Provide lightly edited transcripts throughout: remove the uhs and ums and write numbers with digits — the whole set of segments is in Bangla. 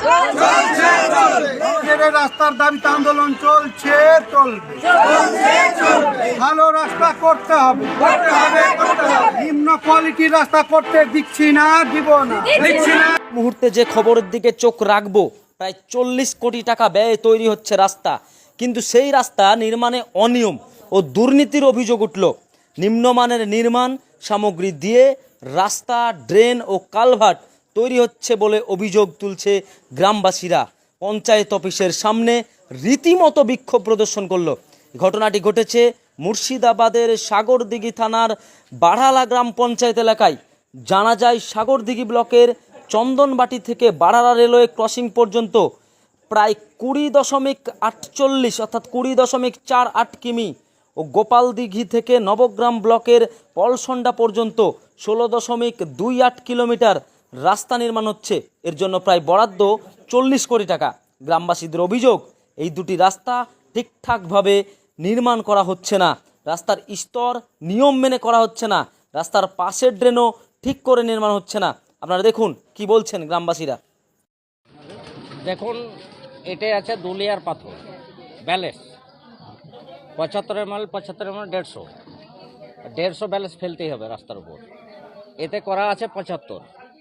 রাস্তার দাবিতে আন্দোলন চলছে, চলবে। ভালো রাস্তা করতে হবে, নিম্ন কোয়ালিটির রাস্তা করতে দিচ্ছি না, দিব না। মুহূর্তে যে খবরের দিকে চোখ রাখবো, প্রায় 40 কোটি টাকা ব্যয়ে তৈরি হচ্ছে রাস্তা, কিন্তু সেই রাস্তা নির্মাণে অনিয়ম ও দুর্নীতির অভিযোগ উঠল। নিম্নমানের নির্মাণ সামগ্রী দিয়ে রাস্তা, ড্রেন ও কালভার্ট তৈরি হচ্ছে বলে অভিযোগ তুলছে গ্রামবাসীরা। পঞ্চায়েত অফিসের সামনে রীতিমতো বিক্ষোভ প্রদর্শন করলো। ঘটনাটি ঘটেছে মুর্শিদাবাদের সাগরদিঘি থানার বাড়ালা গ্রাম পঞ্চায়েত এলাকায়। জানা যায়, সাগরদিঘি ব্লকের চন্দনবাটি থেকে বাড়ালা রেলওয়ে ক্রসিং পর্যন্ত প্রায় 20.48 অর্থাৎ 20.48 কিমি ও গোপালদিঘি থেকে নবগ্রাম ব্লকের পলসন্ডা পর্যন্ত 16.28 কিলোমিটার রাস্তা নির্মাণ হচ্ছে। এর জন্য প্রায় বরাদ্দ 40 কোটি টাকা। গ্রামবাসীদের অভিযোগ, এই দুটি রাস্তা ঠিকঠাকভাবে নির্মাণ করা হচ্ছে না, রাস্তার স্তর নিয়ম মেনে করা হচ্ছে না, রাস্তার পাশের ড্রেনও ঠিক করে নির্মাণ হচ্ছে না। আপনারা দেখুন কি বলছেন গ্রামবাসীরা। দেখুন, এটাই আছে দুলিয়ার পাথর ব্যালেন্স 75 ml 150 ব্যালেন্স ফেলতেই হবে রাস্তার উপর। এতে করা আছে 75,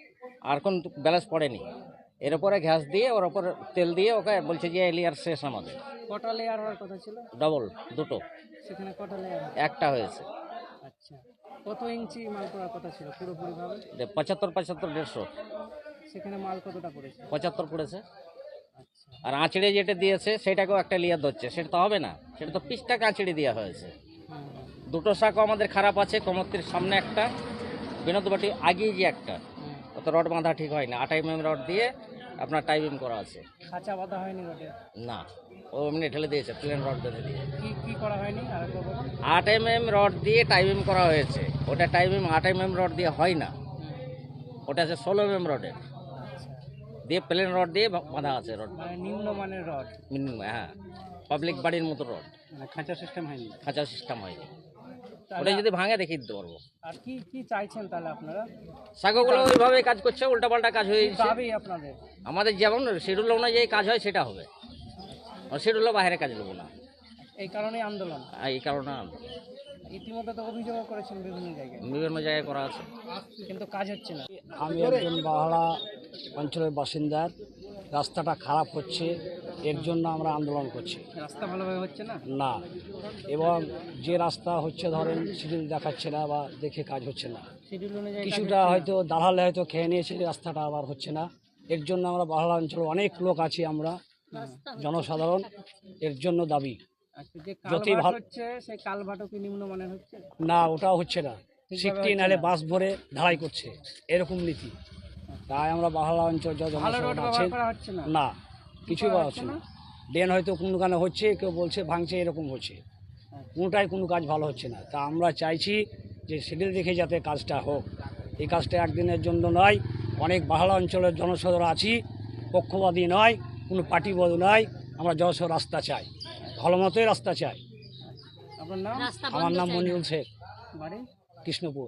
আর কোন ব্যালেন্স পড়েনি। এর উপরে ঘ্যাস দিয়ে ওর উপর তেল দিয়ে ওকে বলছে যে লেয়ার শেষ আমাদের। কটা লেয়ার হওয়ার কথা ছিল? ডবল, দুটো। সেখানে কটা লেয়ার? একটা হয়েছে। আচ্ছা, কত ইঞ্চি মাল করার কথা ছিল পুরোপুরি ভাবে? 75 150 সেখানে মাল কতটা পড়েছে? 75 পড়েছে। আচ্ছা, আর আঁচড়ে যেটা দিয়েছে সেটাকেও একটা লেয়ার ধরছে, সেটা তো হবে না, সেটা তো পিসটাকে আঁচড়ে দেওয়া হয়েছে। দুটো শাকও আমাদের খারাপ আছে, কমতির সামনে একটা, বিনোদবাটি আগেই যে একটা, অত রড বাঁধা ঠিক হয় না। 8 mm রড দিয়ে আপনার টাইপিং করা আছে। খাঁচা বাঁধা হয়নি রডে? না, ও এমনি ঠেলে দিয়েছে, প্লেন রড বেঁধে দিয়ে। কি কি করা হয়নি আর একবার বলুন। 8 mm রড দিয়ে টাইপিং করা হয়েছে। ওটা টাইপিং 8 mm রড দিয়ে হয় না, ওটা আছে 16 mm রডের দিয়ে, প্লেন রড দিয়ে বাঁধা আছে রড। মানে নিম্নমানের রড? হ্যাঁ, পাবলিক বাড়ির মতো রড, মানে খাঁচা সিস্টেম হয়নি? খাঁচা সিস্টেম হয়নি। ওটা যদি ভাঙে দেখিয়ে দিতে পারবো। আর কি কি চাইছেন তাহলে আপনারা? শাখাগুলো ওইভাবে কাজ করছে, উল্টাপাল্টা কাজ হয়ে যাচ্ছে। দাবি আপনাদের? আমাদের যেমন শিডিউল অনুযায়ী কাজ হয় সেটা হবে, শিডিউলের বাইরে কাজ নেবো না। এই কারণেই আন্দোলন? এই কারণে ইতিমধ্যে তো অভিযোগ করেছেন বিভিন্ন জায়গায়? বিভিন্ন জায়গায় করা আছে, কিন্তু কাজ হচ্ছে না। আমি একজন বাহারা অঞ্চলের বাসিন্দার। রাস্তাটা খারাপ হচ্ছে, এর জন্য আমরা আন্দোলন করছি। রাস্তা ভালোভাবে হচ্ছে না? না, এবং যে রাস্তা হচ্ছে ধরেন শিডিউল দেখাচ্ছে না বা দেখে কাজ হচ্ছে না। শিডিউল অনুযায়ী কিছুটা হয়তো দালালে হয়তো খেয়ে নিয়েছে, রাস্তাটা আবার হচ্ছে না। এর জন্য আমরা বাহারা অঞ্চলের অনেক লোক আছি, আমরা জনসাধারণ, এর জন্য দাবি। আচ্ছা, যে যতই কালভার্ট ভালো হচ্ছে সেই কালভার্টও কি নিম্নমানের হচ্ছে? না, ওটাও হচ্ছে না। সিকটি নালে বাস ভরে ঢালাই করছে, এরকম নীতি। তাই আমরা বাহারা অঞ্চল যা ভালো রোড জনসাধারণ ব্যবহার আছেন, করা হচ্ছে না? না কিছুই পাওয়া হচ্ছে না। ড্রেন হয়তো কোনখানে হচ্ছে, কেউ বলছে ভাঙছে, এরকম হচ্ছে। কোনোটাই কোনো কাজ ভালো হচ্ছে না। তা আমরা চাইছি যে শিডিউল দেখে যাতে কাজটা হোক। এই কাজটা একদিনের জন্য নয়, অনেক বাহারা অঞ্চলের জনসাধারণ আছি, পক্ষপাতী নয়, কোনো পার্টিবাদ নয়। আমরা জনসাধারণ রাস্তা চাই, ভালো মতোই রাস্তা চাই। আপনার নাম? আমার নাম মনিরুল শেখ, বাড়ি? কৃষ্ণপুর।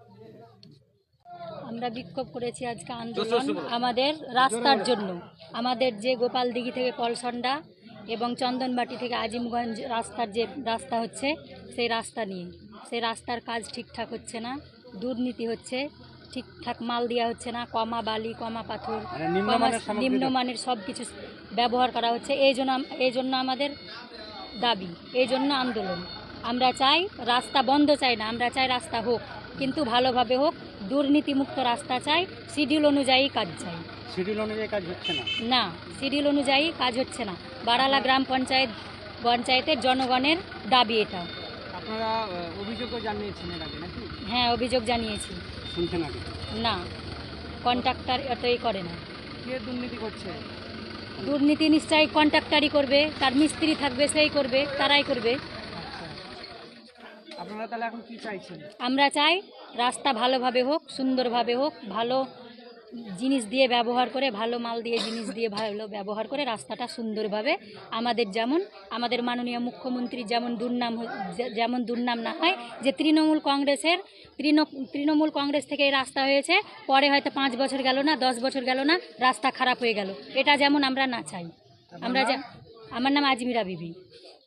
আমরা বিক্ষোভ করেছি আজকে আন্দোলন আমাদের রাস্তার জন্য। আমাদের যে গোপালদিঘি থেকে পলসন্ডা এবং চন্দনবাটি থেকে আজিমগঞ্জ রাস্তার যে রাস্তা হচ্ছে, সেই রাস্তা নিয়ে। সেই রাস্তার কাজ ঠিকঠাক হচ্ছে না, দুর্নীতি হচ্ছে, ঠিকঠাক মাল দেওয়া হচ্ছে না, কমা বালি, কমা পাথর, নিম্নমানের সব কিছু ব্যবহার করা হচ্ছে। এই জন্য আমাদের দাবি, এই জন্য আন্দোলন। আমরা চাই রাস্তা বন্ধ চাই না, আমরা চাই রাস্তা হোক, কিন্তু ভালোভাবে হোক, দুর্নীতিমুক্ত রাস্তা চাই, শিডিউল অনুযায়ী কাজ চাই। শিডিউল অনুযায়ী কাজ হচ্ছে না? না, শিডিউল অনুযায়ী কাজ হচ্ছে না। বাড়ালা গ্রাম পঞ্চায়েতের জনগণের দাবি এটা। আপনারা অভিযোগও জানিয়েছেন এর আগে নাকি? হ্যাঁ, অভিযোগ জানিয়েছি। শুনছেন আগে? না, কন্ট্রাক্টর এতই করে না। কে দুর্নীতি করছে? দুর্নীতি নিশ্চয়ই কন্ট্রাক্টরই করবে, তার মিস্ত্রি থাকবে, সেই করবে, তারাই করবে। আচ্ছা, আপনারা তাহলে এখন কি চাইছেন? আমরা চাই রাস্তা ভালোভাবে হোক, সুন্দরভাবে হোক, ভালো জিনিস দিয়ে ব্যবহার করে, ভালো মাল দিয়ে জিনিস দিয়ে ভালো ব্যবহার করে রাস্তাটা সুন্দরভাবে আমাদের, যেমন আমাদের মাননীয় মুখ্যমন্ত্রী যেমন দুর্নাম না হয় যে তৃণমূল কংগ্রেস থেকে এই রাস্তা হয়েছে, পরে হয়তো 5 বছর গেল না, 10 বছর গেল না, রাস্তা খারাপ হয়ে গেল, এটা যেমন আমরা না চাই। আমার নাম আজমিরা বিবি।